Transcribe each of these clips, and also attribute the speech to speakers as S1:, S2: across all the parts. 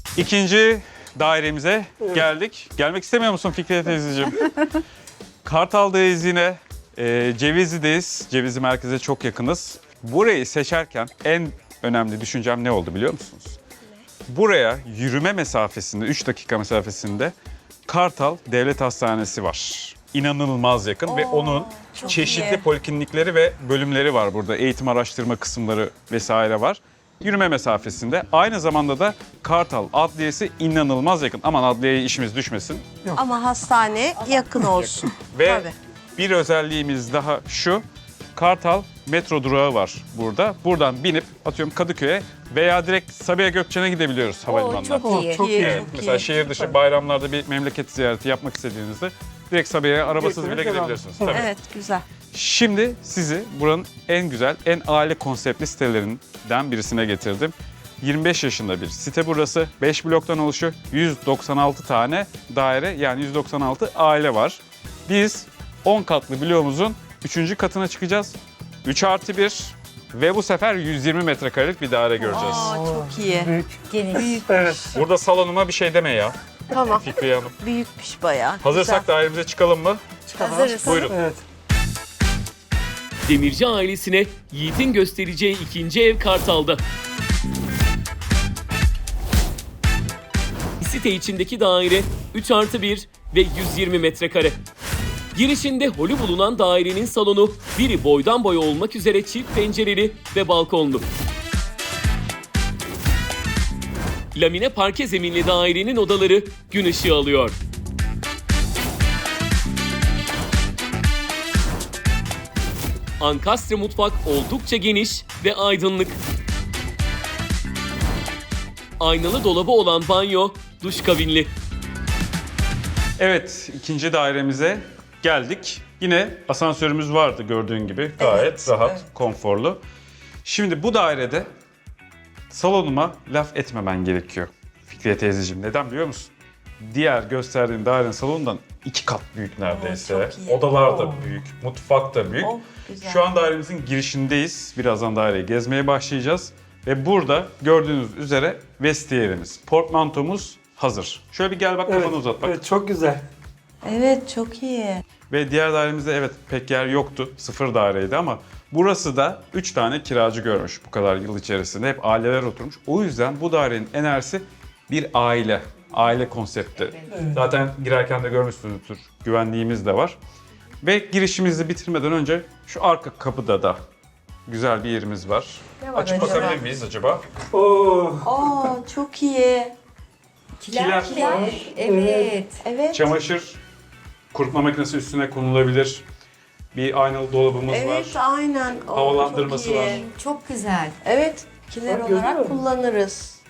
S1: İkinci dairemize geldik. Gelmek istemiyor musun Fikriye teyzeciğim? Kartal'dayız yine. Cevizli'deyiz. Cevizli merkeze çok yakınız. Burayı seçerken en önemli düşüncem ne oldu biliyor musunuz? Buraya yürüme mesafesinde, 3 dakika mesafesinde Kartal Devlet Hastanesi var. İnanılmaz yakın ve onun çeşitli poliklinikleri ve bölümleri var burada. Eğitim araştırma kısımları vesaire var. Yürüme mesafesinde. Aynı zamanda da Kartal Adliyesi inanılmaz yakın. Aman adliyeye işimiz düşmesin.
S2: Ama hastane yakın olsun.
S1: Ve
S2: Tabii.
S1: bir özelliğimiz daha şu. Kartal metro durağı var burada. Buradan binip atıyorum Kadıköy'e veya direkt Sabiha Gökçen'e gidebiliyoruz havalimanından.
S3: Çok iyi.
S2: Çok iyi.
S1: Evet, mesela şehir dışı bayramlarda bir memleket ziyareti yapmak istediğinizde direkt Sabiha'ya arabasız bile gidebilirsiniz. Tabii.
S2: Evet, güzel.
S1: Şimdi sizi buranın en güzel, en aile konseptli sitelerinden birisine getirdim. 25 yaşında bir site burası. 5 bloktan oluşuyor. 196 tane daire yani 196 aile var. Biz 10 katlı bloğumuzun 3. katına çıkacağız. 3+1 ve bu sefer 120 metrekarelik bir daire göreceğiz.
S2: Aa, çok iyi.
S3: Geniş.
S1: Burada salonuma bir şey deme ya
S2: Tamam.
S1: Fikriye Hanım.
S2: Büyükmüş bayağı.
S1: Hazırsak dairemize çıkalım mı?
S3: Hazırız.
S1: Buyurun.
S4: Evet.
S5: Demirci ailesine Yiğit'in göstereceği ikinci ev Kartal'da. Site içindeki daire 3+1 ve 120 metrekare. Girişinde holü bulunan dairenin salonu biri boydan boya olmak üzere çift pencereli ve balkonlu. Lamine parke zeminli dairenin odaları gün ışığı alıyor. Ankastre mutfak oldukça geniş ve aydınlık. Aynalı dolabı olan banyo, duş kabinli.
S1: Evet, ikinci dairemize geldik. Yine asansörümüz vardı gördüğün gibi. Gayet rahat, konforlu. Şimdi bu dairede salonuma laf etmemen gerekiyor Fikriye teyzeciğim. Neden biliyor musun? Diğer gösterdiğin dairenin salonundan 2 kat büyük neredeyse.
S2: çok iyi.
S1: Odalar da büyük, mutfak da büyük.
S2: Güzel.
S1: Şu an dairemizin girişindeyiz. Birazdan daireyi gezmeye başlayacağız. Ve burada gördüğünüz üzere vestiyerimiz, portmantomuz hazır. Şöyle bir gel bak kafanı uzat bak.
S4: Evet, çok güzel.
S2: Evet, çok iyi.
S1: Ve diğer dairemizde evet pek yer yoktu. 0 daireydi ama burası da 3 tane kiracı görmüş bu kadar yıl içerisinde. Hep aileler oturmuş. O yüzden bu dairenin enerjisi bir aile. Aile konsepti. Zaten girerken de görmüşsünüzdür. Güvenliğimiz de var. Ve girişimizi bitirmeden önce şu arka kapıda da güzel bir yerimiz var.
S2: Ne var
S1: Açıp
S2: acaba?
S1: bakabilir miyiz acaba?
S4: Oo.
S2: Aa, çok iyi.
S1: Kiler.
S3: Evet.
S2: Evet.
S1: Çamaşır kurutma makinesi üstüne konulabilir. Bir aynalı dolabımız
S2: Evet,
S1: var.
S2: aynen. Oo,
S1: Havalandırması
S2: çok iyi.
S1: var.
S3: Çok güzel.
S2: Evet, kiler
S4: Bak, gördün
S2: olarak
S4: mü?
S2: kullanırız.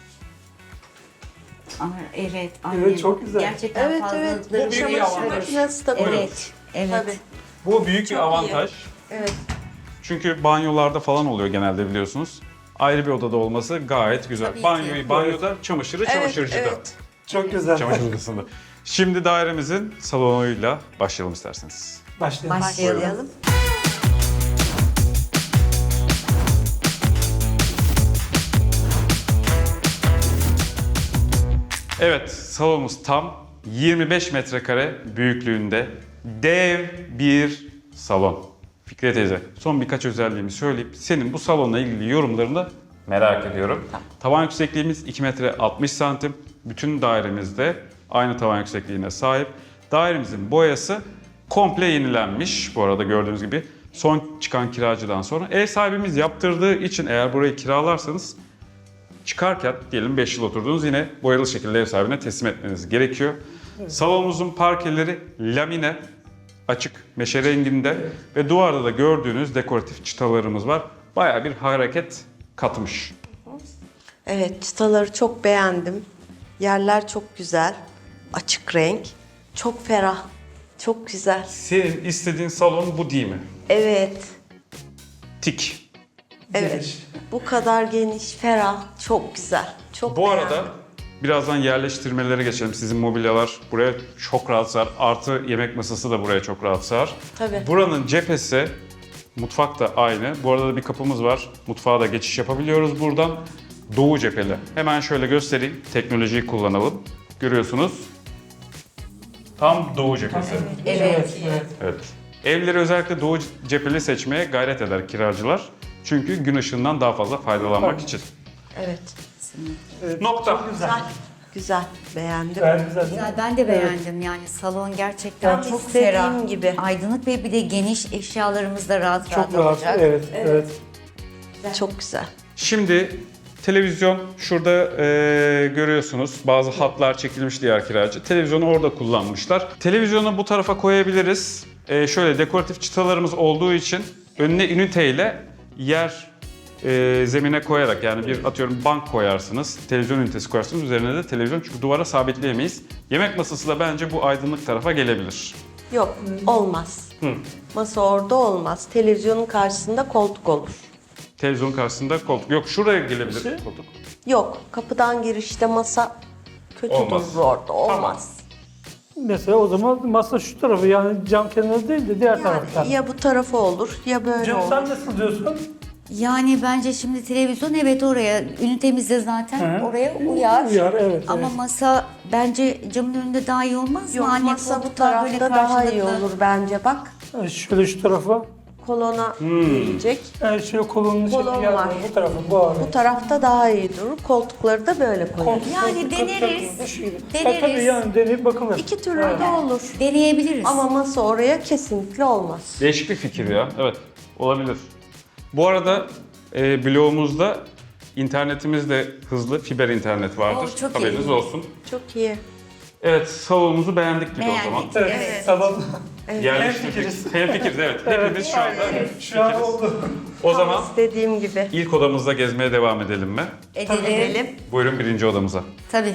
S3: Evet. Annem.
S4: Evet, çok güzel.
S3: Gerçekten
S2: Evet, evet.
S3: fazlalıkları
S1: Bu büyük bir
S2: Çamaşır
S1: avantaj.
S2: makinesi de kullanırız.
S3: Evet. Evet.
S2: Tabii.
S1: Bu büyük bir
S2: Çok iyi.
S1: avantaj.
S2: Evet.
S1: Çünkü banyolarda falan oluyor genelde biliyorsunuz. Ayrı bir odada olması gayet güzel.
S3: Tabii ki.
S1: Banyoyu banyoda, çamaşırı
S2: Evet,
S1: çamaşırcıda.
S2: evet.
S4: Çok güzel.
S1: Çamaşır odasında. Şimdi dairemizin salonuyla başlayalım isterseniz.
S4: Başlayalım.
S3: Başlayalım.
S1: Evet, salonumuz tam 25 metrekare büyüklüğünde dev bir salon. Fikriye teyze, son birkaç özelliğimi söyleyip senin bu salonla ilgili yorumlarını da merak ediyorum. Tavan yüksekliğimiz 2 metre 60 santim. Bütün dairemizde aynı tavan yüksekliğine sahip. Dairemizin boyası komple yenilenmiş. Bu arada gördüğünüz gibi son çıkan kiracıdan sonra. Ev sahibimiz yaptırdığı için eğer burayı kiralarsanız çıkarken diyelim 5 yıl oturdunuz yine boyalı şekilde ev sahibine teslim etmeniz gerekiyor. Salonumuzun parkeleri lamine, açık meşe renginde ve duvarda da gördüğünüz dekoratif çıtalarımız var. Bayağı bir hareket katmış.
S2: Evet, çıtaları çok beğendim. Yerler çok güzel. Açık renk. Çok ferah. Çok güzel.
S1: Senin istediğin salon bu değil mi?
S2: Evet.
S1: Tik.
S2: Evet. Bu kadar geniş, ferah, çok güzel. Çok
S1: Bu arada
S2: beğendim.
S1: birazdan yerleştirmelere geçelim. Sizin mobilyalar buraya çok rahat sığar. Artı yemek masası da buraya çok rahat sığar.
S2: Tabii.
S1: Buranın cephesi, mutfak da aynı. Bu arada da bir kapımız var. Mutfağa da geçiş yapabiliyoruz buradan. Doğu cepheli. Hemen şöyle göstereyim. Teknolojiyi kullanalım. Görüyorsunuz. Tam doğu cephesi.
S3: Evet.
S1: Evet. Evleri özellikle doğu cepheli seçmeye gayret eder kiracılar. Çünkü gün ışığından daha fazla faydalanmak için.
S2: Evet.
S1: Nokta.
S2: Güzel. Güzel. Beğendim.
S4: Gayet güzel değil mi?
S3: Güzel, ben de beğendim yani salon gerçekten
S2: Tam
S3: çok
S2: istediğim
S3: ferah.
S2: gibi.
S3: Aydınlık ve bir de geniş, eşyalarımız da rahat
S4: Çok rahat.
S3: olacak.
S4: Evet.
S2: Çok güzel.
S1: Şimdi televizyon şurada görüyorsunuz. Bazı hatlar çekilmiş diğer kiracı. Televizyonu orada kullanmışlar. Televizyonu bu tarafa koyabiliriz. Şöyle dekoratif çıtalarımız olduğu için önüne üniteyle yer zemine koyarak, yani bir atıyorum bank koyarsınız, televizyon ünitesi koyarsınız, üzerine de televizyon, çünkü duvara sabitleyemeyiz. Yemek masası da bence bu aydınlık tarafa gelebilir.
S2: Yok, olmaz. Masa orada olmaz. Televizyonun karşısında koltuk olur.
S1: Televizyonun karşısında koltuk. Yok, şuraya gelebilir koltuk.
S2: Yok, kapıdan girişte masa kötü
S1: Olmaz.
S2: durur orada. Olmaz.
S4: Mesela o zaman masa şu tarafı, yani cam kenarı değil de diğer taraftan.
S2: Ya bu tarafı olur ya böyle
S4: Cem
S2: olur.
S4: sen nasıl diyorsun?
S3: Yani bence şimdi televizyon evet oraya, ünitemizde zaten
S4: Hı.
S3: oraya uyar.
S4: Uyar, evet.
S3: Ama
S4: evet.
S3: masa bence camın önünde daha iyi olmaz
S2: Yok,
S3: mı? Anne
S2: masa bu
S3: koltuklar böyle
S2: tarafta daha iyi
S3: karşılıklı.
S2: olur bence. Bak,
S4: Şöyle şu tarafa.
S2: kolona gelecek.
S4: Evet, şöyle kolonun
S2: Kolon
S4: içinde yer
S2: var.
S4: var. Bu tarafı, bu arada.
S2: Bu tarafta daha iyi durur. Koltukları da böyle koyarız.
S3: Yani deneriz.
S4: Tabii
S3: Deneriz.
S4: yani deneyip bakılır.
S2: İki türlü de olur.
S3: Deneyebiliriz.
S2: Ama masa oraya kesinlikle olmaz.
S1: Değişik bir fikir ya. Evet, olabilir. Bu arada bloğumuzda internetimiz de hızlı, fiber internet vardır.
S3: Oo, çok
S1: Haberiniz
S3: iyi.
S1: olsun.
S2: Çok iyi.
S1: Evet, salonumuzu beğendik biz o zaman.
S3: Beğendik.
S4: Evet, salon.
S1: Yerleştirdik. Hemfikiriz, evet. Hepimiz şu anda
S4: Şu an
S1: fikiriz.
S4: oldu.
S1: O zaman
S2: İstediğim gibi.
S1: ilk odamızda gezmeye devam edelim mi?
S3: Edelim.
S1: Buyurun birinci odamıza.
S3: Tabii.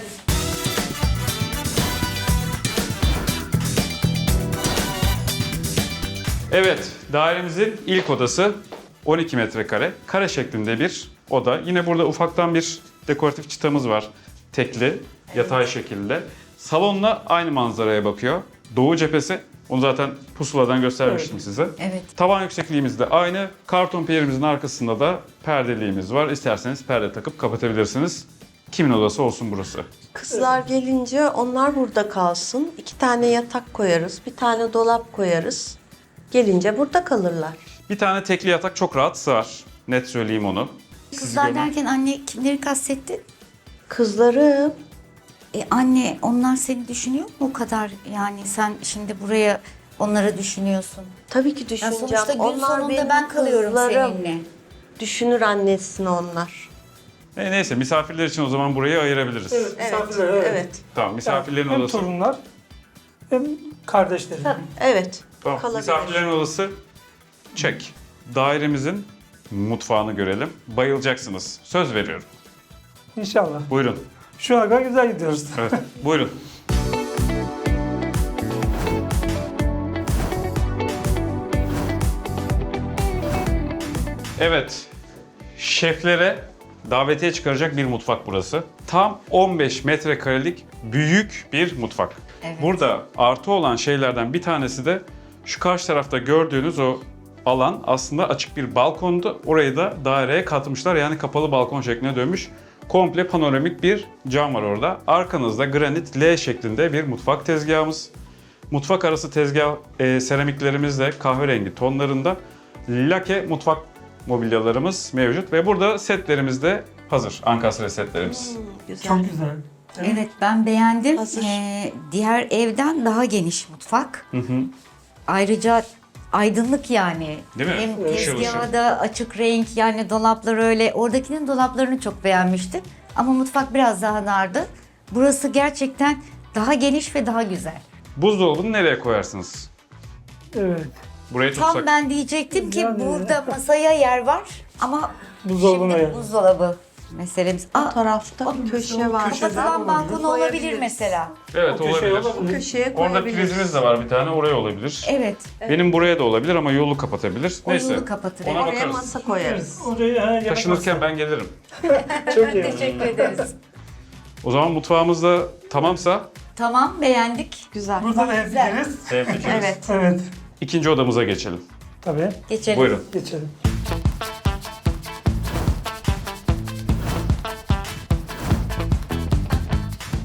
S1: Evet, dairemizin ilk odası 12 metrekare. Kare şeklinde bir oda. Yine burada ufaktan bir dekoratif çıtamız var. Tekli, yatay şekilde. Salonla aynı manzaraya bakıyor. Doğu cephesi. Onu zaten pusuladan göstermiştim size.
S3: Evet.
S1: Tavan yüksekliğimiz de aynı. Karton piyerimizin arkasında da perdeliğimiz var. İsterseniz perde takıp kapatabilirsiniz. Kimin odası olsun burası?
S2: Kızlar gelince onlar burada kalsın. 2 tane yatak koyarız, bir tane dolap koyarız. Gelince burada kalırlar.
S1: Bir tane tekli yatak çok rahat sığar. Net söyleyeyim onu.
S3: Kızlar
S1: görün.
S3: derken anne kimleri kastettin?
S2: Kızlarım,
S3: Anne onlar seni düşünüyor mu o kadar? Yani sen şimdi buraya onları düşünüyorsun.
S2: tabii ki
S3: Ya
S2: düşüneceğim.
S3: sonuçta gün
S2: Onlar
S3: sonunda
S2: benim
S3: ben kalıyorum
S2: kızlarım.
S3: seninle.
S2: Düşünür annesini onlar.
S1: Neyse, misafirler için o zaman burayı ayırabiliriz.
S4: Evet, misafirler, evet.
S2: Evet.
S1: Tamam, misafirlerin
S4: Hem
S1: odası.
S4: torunlar hem kardeşlerim.
S2: Evet.
S1: Tamam,
S2: kalabilir.
S1: misafirlerin odası çek. Dairemizin mutfağını görelim. Bayılacaksınız. Söz veriyorum.
S4: İnşallah.
S1: Buyurun.
S4: Şu an güzel gidiyoruz.
S1: Evet, buyurun. Evet, şeflere davetiye çıkaracak bir mutfak burası. Tam 15 metrekarelik büyük bir mutfak.
S3: Evet.
S1: Burada artı olan şeylerden bir tanesi de şu karşı tarafta gördüğünüz o alan aslında açık bir balkondu. Orayı da daireye katmışlar, yani kapalı balkon şekline dönmüş. Komple panoramik bir cam var orada. Arkanızda granit L şeklinde bir mutfak tezgahımız. Mutfak arası tezgah seramiklerimiz de kahverengi tonlarında. Lake mutfak mobilyalarımız mevcut ve burada setlerimiz de hazır. Ankastre setlerimiz.
S2: Güzel.
S4: Çok güzel.
S3: Evet ben beğendim.
S2: Hazır.
S3: Diğer evden daha geniş mutfak. Ayrıca aydınlık yani.
S1: Değil mi?
S3: Hem
S1: Işıl ışıl.
S3: tezgahı da açık renk yani dolaplar öyle. Oradakinin dolaplarını çok beğenmiştim. Ama mutfak biraz daha dardı. Burası gerçekten daha geniş ve daha güzel.
S1: Buzdolabını nereye koyarsınız?
S4: Evet.
S1: Buraya tutsak.
S3: Tam ben diyecektim ki
S4: Yani.
S3: burada masaya yer var ama
S4: Buzdolabına
S3: şimdi
S4: yer.
S3: buzdolabı meselemiz.
S2: O tarafta köşe var.
S3: Kapatılan balkon olabilir mesela.
S1: Evet,
S4: Köşeye
S1: olabilir.
S4: olabilir.
S2: Köşeye
S1: Orada
S2: koyabiliriz.
S1: prizimiz de var bir tane, oraya olabilir.
S3: Evet.
S1: Benim buraya da olabilir ama yolu kapatabilir.
S3: O
S1: Neyse.
S3: yolu kapatır.
S1: Ona
S3: Evet.
S2: Oraya
S1: bakarız.
S2: masa koyarız.
S4: Oraya yemek
S1: Taşınırken ben gelirim.
S4: masası. Çok iyi.
S3: Teşekkür ederiz.
S1: O zaman mutfağımız da tamamsa
S3: Tamam beğendik.
S2: Güzel.
S4: Burada da hemfikiriz.
S1: hemfikiriz.
S2: Evet.
S4: Evet.
S1: İkinci odamıza geçelim.
S4: Tabii.
S3: Geçelim.
S1: Buyurun.
S4: Geçelim.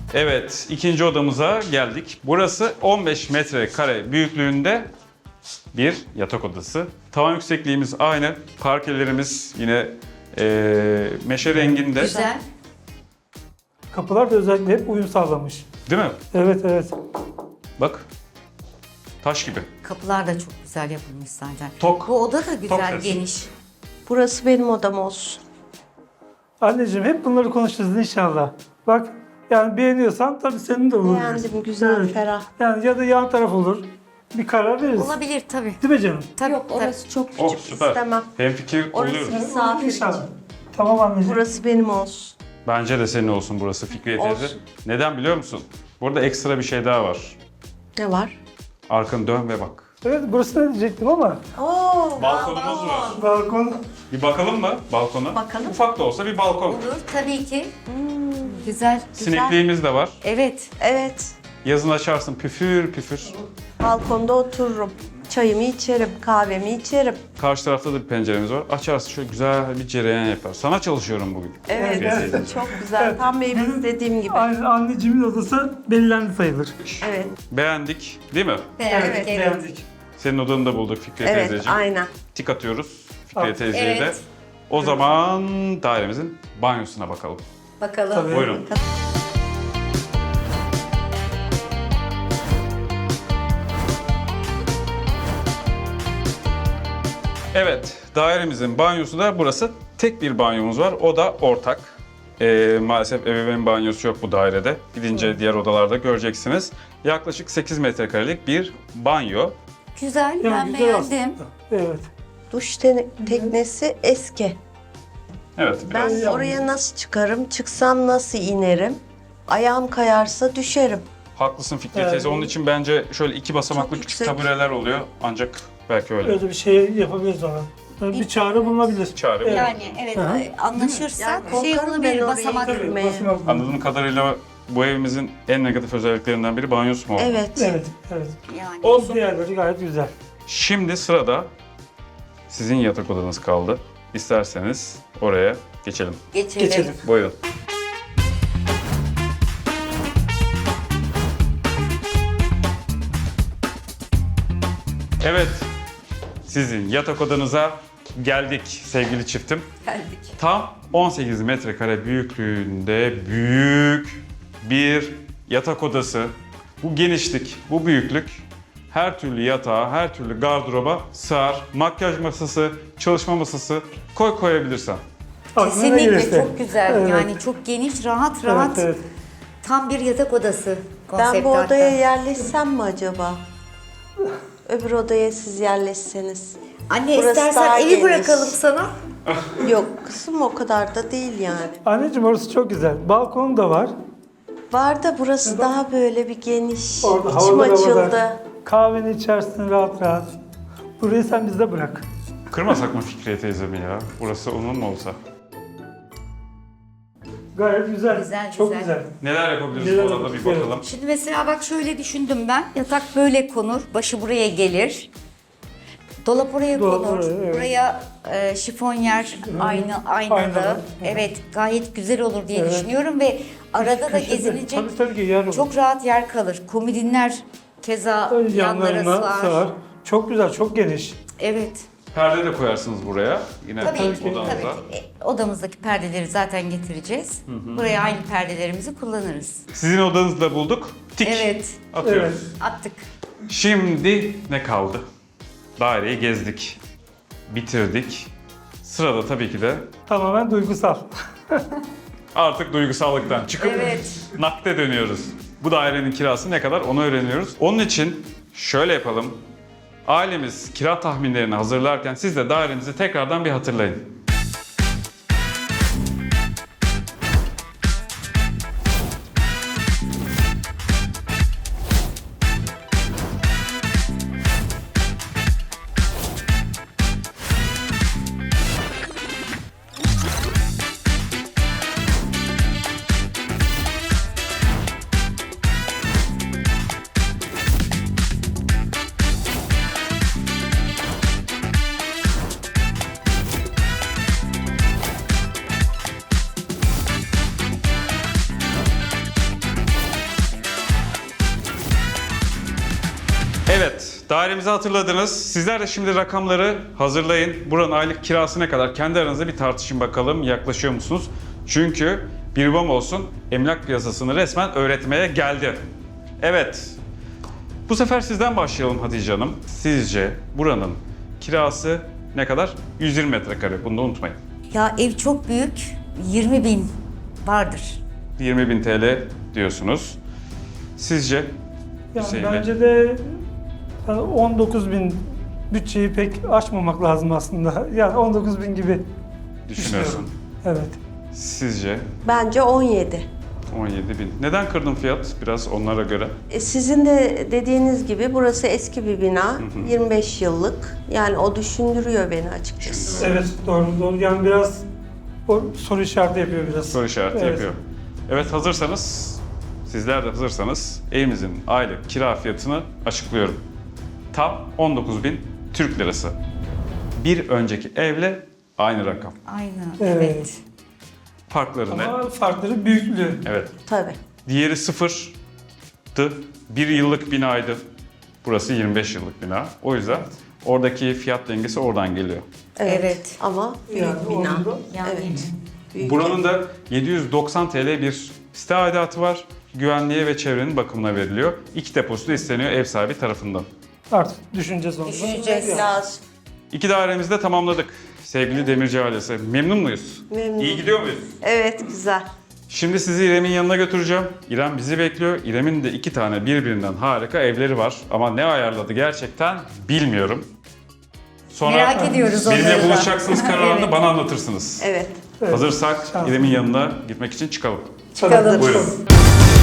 S1: Evet, ikinci odamıza geldik. Burası 15 metrekare büyüklüğünde bir yatak odası. Tavan yüksekliğimiz aynı. Parkelerimiz yine meşe renginde.
S3: Güzel.
S4: Kapılar da özellikle hep uyum sağlamış.
S1: Değil mi?
S4: Evet evet.
S1: Bak. Taş gibi.
S3: Kapılar da çok güzel yapılmış zaten.
S1: Tok.
S3: Bu oda da güzel,
S1: ses.
S3: geniş.
S2: Burası benim odam olsun.
S4: Anneciğim hep bunları konuşacağız inşallah. Bak yani beğeniyorsan tabii senin de olur.
S2: Beğendim, güzel,
S4: Evet.
S2: ferah.
S4: Yani ya da yan taraf olur. Bir karar veririz.
S3: Olabilir tabii.
S4: Değil mi canım?
S3: Tabii,
S2: Yok,
S3: tabii.
S2: orası çok küçük,
S1: Oh süper.
S2: istemem.
S1: Hemfikir
S2: Orası
S1: oluyoruz.
S2: misafir
S4: İnşallah.
S2: için.
S4: Tamam anneciğim.
S2: Burası benim olsun.
S1: Bence de senin olsun burası Fikriye teyze.
S2: Olsun.
S1: Neden biliyor musun? Burada ekstra bir şey daha var.
S2: Ne var?
S1: Arkanı dön ve bak.
S4: Evet burası ne diyecektim ama.
S2: Oo,
S1: Balkonumuz var.
S4: Balkon.
S1: Bir bakalım mı balkona?
S2: Bakalım.
S1: Ufak da olsa bir balkon.
S3: Olur tabii ki. Güzel.
S1: Sinekliğimiz de var.
S3: Evet.
S2: Evet,
S1: Yazın açarsın püfür püfür.
S2: balkonda otururum. Çayımı içerim, kahvemi içerim.
S1: Karşı tarafta da bir penceremiz var. Açarsın şöyle güzel bir cereyan yapar. Sana çalışıyorum bugün.
S2: Evet,
S1: Evet.
S2: çok güzel. Tam benim istediğim gibi.
S4: Aynen anneciğimin odası belirlendi sayılır.
S2: Evet,
S1: Beğendik değil mi?
S3: Beğendik,
S2: Evet,
S3: evet.
S4: Beğendik.
S1: Senin odanı da bulduk Fikriye
S2: evet,
S1: teyzeciğim.
S2: aynen.
S1: Tik atıyoruz Fikriye
S4: Ah,
S1: teyzeye de.
S3: evet.
S1: O zaman dairemizin banyosuna bakalım.
S3: Bakalım.
S4: Tabii.
S1: Buyurun. Evet, dairemizin banyosu da burası. Tek bir banyomuz var, o da ortak. Maalesef ebeveyn banyosu yok bu dairede. Gidince diğer odalarda göreceksiniz. Yaklaşık 8 metrekarelik bir banyo.
S3: Güzel,
S4: Yani
S3: ben
S4: güzel
S3: beğendim.
S4: aslında. Evet.
S2: Duş teknesi eski.
S1: Evet,
S2: Ben
S1: biraz
S2: oraya nasıl çıkarım, çıksam nasıl inerim? Ayağım kayarsa düşerim.
S1: haklısın Fikriye
S4: Evet.
S1: teyze. Onun için bence şöyle 2 basamaklı
S2: Çok
S1: küçük
S2: yüksek.
S1: tabureler oluyor. Ancak belki öyle.
S4: Öyle bir şey yapabiliriz ona. Bir çare bulunabilir.
S1: Çare
S4: Evet.
S3: Yani evet,
S4: Hı hı.
S3: anlaşırsak
S2: Yani
S3: şey
S2: korkarım
S3: olabilir,
S2: ben oraya
S3: basamak.
S2: girmeye. Bilmeyin.
S4: basamak-
S1: Anladığım kadarıyla bu evimizin en negatif özelliklerinden biri banyosu mu oldu?
S2: Evet.
S4: Evet, evet.
S3: Yani.
S1: Olsun.
S4: Diğerleri gayet güzel.
S1: Şimdi sırada sizin yatak odanız kaldı. İsterseniz oraya geçelim.
S4: Geçelim.
S1: Buyurun. Evet, sizin yatak odanıza geldik sevgili çiftim.
S3: Geldik.
S1: Tam 18 metrekare büyüklüğünde büyük bir yatak odası. Bu genişlik, bu büyüklük her türlü yatağa, her türlü gardıroba sığar. Makyaj masası, çalışma masası koyabilirsen.
S4: Aklına
S3: Kesinlikle
S4: gelirse.
S3: çok güzel.
S4: Evet.
S3: Yani çok geniş, rahat
S4: Evet,
S3: rahat.
S4: evet.
S3: Tam bir yatak odası konsepti
S2: Ben bu
S3: hatta.
S2: odaya yerleşsem mi acaba? Öbür odaya siz yerleşseniz.
S3: Anne
S2: Burası
S3: istersen
S2: daha
S3: evi
S2: geniş.
S3: bırakalım sana.
S2: Yok, kısım o kadar da değil yani.
S4: Anneciğim orası çok güzel. Balkonu da var.
S2: Var da burası daha böyle bir geniş.
S4: Orada
S2: İçim
S4: havalar
S2: açıldı.
S4: havada. Kahveni içersin rahat rahat. Burayı sen bizde bırak.
S1: Kırmasak mı Fikriye teyzemi ya? Burası onun mu olsa?
S4: Gayet güzel.
S3: Güzel,
S4: Çok
S3: güzel.
S4: güzel.
S1: Neler yapabiliriz
S4: Neler
S1: bu arada bir
S4: yapabiliriz?
S1: bakalım.
S3: Şimdi mesela bak şöyle düşündüm ben. Yatak böyle konur, başı buraya gelir. Dolap oraya
S4: Dolap
S3: konur.
S4: oraya, evet.
S3: Buraya şifonyer aynalı.
S4: Aynalı.
S3: Evet, gayet güzel olur diye
S4: Evet.
S3: düşünüyorum ve arada da
S4: Köşede.
S3: gezilecek
S4: Tabii ki yer olur.
S3: çok rahat yer kalır. Komodinler keza
S4: Tabii
S3: yanlara
S4: yanlarına
S3: sığar.
S4: sığar. Çok güzel, çok geniş.
S3: Evet.
S1: Perde de koyarsınız buraya. Yine
S3: Tabii ki,
S1: odanıza.
S3: tabii ki. Odamızdaki perdeleri zaten getireceğiz. Buraya aynı perdelerimizi kullanırız.
S1: Sizin odanızı da bulduk. Tik
S3: Evet,
S1: atıyoruz.
S4: Evet.
S3: attık.
S1: Şimdi ne kaldı? Daireyi gezdik. Bitirdik. Sırada tabii ki de
S4: Tamamen duygusal.
S1: artık duygusallıktan çıkıp
S3: Evet.
S1: nakde dönüyoruz. Bu dairenin kirası ne kadar onu öğreniyoruz. Onun için şöyle yapalım. Ailemiz kira tahminlerini hazırlarken siz de dairenizi tekrardan bir hatırlayın. Evet, dairemizi hatırladınız. Sizler de şimdi rakamları hazırlayın. Buranın aylık kirası ne kadar? Kendi aranızda bir tartışın bakalım. Yaklaşıyor musunuz? Çünkü bir babam olsun emlak piyasasını resmen öğretmeye geldi. Evet. Bu sefer sizden başlayalım Hatice Hanım. Sizce buranın kirası ne kadar? 120 metrekare. Bunu da unutmayın.
S3: Ya ev çok büyük. 20.000 vardır.
S1: 20.000 TL diyorsunuz. Sizce?
S4: Yani
S1: Hüseyin Bey.
S4: bence de 19.000 bütçeyi pek aşmamak lazım aslında. Yani 19.000 gibi
S1: Düşünüyorsun.
S4: evet.
S1: Sizce?
S2: Bence 17.
S1: 17.000. Neden kırdın fiyat? Biraz onlara göre.
S2: Sizin de dediğiniz gibi burası eski bir bina. 25 yıllık. Yani o düşündürüyor beni açıkçası.
S4: Evet, doğru. Yani biraz o soru işareti yapıyor biraz.
S1: Soru işareti
S4: Evet.
S1: yapıyor. Evet, hazırsanız, sizler de hazırsanız evimizin aylık kira fiyatını açıklıyorum. Tam 19.000 Türk lirası. Bir önceki evle aynı rakam.
S3: Aynen.
S4: Evet.
S3: Evet.
S1: Farkları ne?
S4: Ama farkları büyüklüğü.
S1: Evet.
S2: Tabii.
S1: Diğeri sıfırdı. Bir yıllık binaydı. Burası 25 yıllık bina. O yüzden oradaki fiyat dengesi oradan geliyor.
S3: Evet.
S2: Ama büyük
S4: Yani
S2: bina.
S4: onun da-
S3: Yani
S2: Evet. Büyük.
S1: Buranın da 790 TL bir site aidatı var. Güvenliğe ve çevrenin bakımına veriliyor. 2 deposu da isteniyor ev sahibi tarafından.
S4: Artık düşüneceğiz onu.
S3: Düşüneceğiz.
S4: Yani.
S2: Lazım.
S1: 2 dairemizi de tamamladık. Sevgili Demirci ailesi. Memnun muyuz?
S2: Memnun.
S1: İyi gidiyor muyuz?
S2: Evet, güzel.
S1: Şimdi sizi İrem'in yanına götüreceğim. İrem bizi bekliyor. İrem'in de 2 tane birbirinden harika evleri var. Ama ne ayarladı gerçekten bilmiyorum. Sonra
S3: Merak ediyoruz onları
S1: benimle
S3: da.
S1: buluşacaksınız kararını
S3: Evet.
S1: bana anlatırsınız.
S2: Evet.
S4: Evet.
S1: Hazırsak
S4: Şans.
S1: İrem'in yanına gitmek için çıkalım.
S4: Çıkalım.
S1: Buyurun.